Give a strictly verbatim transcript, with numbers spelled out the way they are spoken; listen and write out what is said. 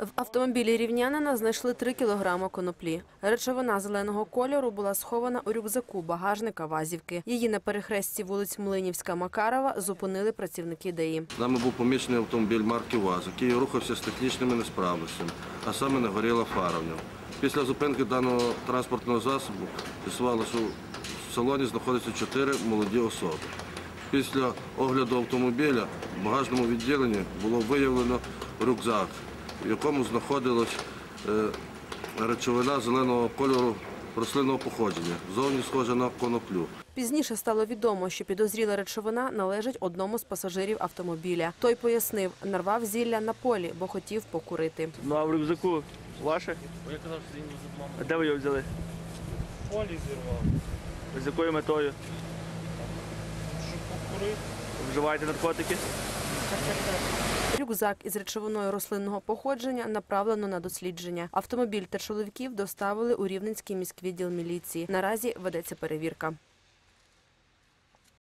В автомобілі рівнянина знайшли три кілограми коноплі. Речовина зеленого кольору була схована у рюкзаку багажника вазівки. Її на перехресті вулиць Млинівська-Макарова зупинили працівники ДАІ. Нами був помічений автомобіль марки ВАЗ, який рухався з технічними несправностями, а саме не горіла фара в ньому. Після зупинки даного транспортного засобу з'ясувалося, що в салоні знаходяться чотири молоді особи. Після огляду автомобіля в багажному відділенні було виявлено рюкзак, в якому знаходилась речовина зеленого кольору рослинного походження, зовні схожа на коноплю. Пізніше стало відомо, що підозріла речовина належить одному з пасажирів автомобіля. Той пояснив, нарвав зілля на полі, бо хотів покурити. Ну а в рюкзаку ваше? Я казав, що він з мамою. А де ви його взяли? В полі зірвав. З якою метою? Щоб покурити. Вживаєте наркотики? Рюкзак із речовиною рослинного походження направлено на дослідження. Автомобіль та чоловіків доставили у Рівненський міськвідділ міліції. Наразі ведеться перевірка.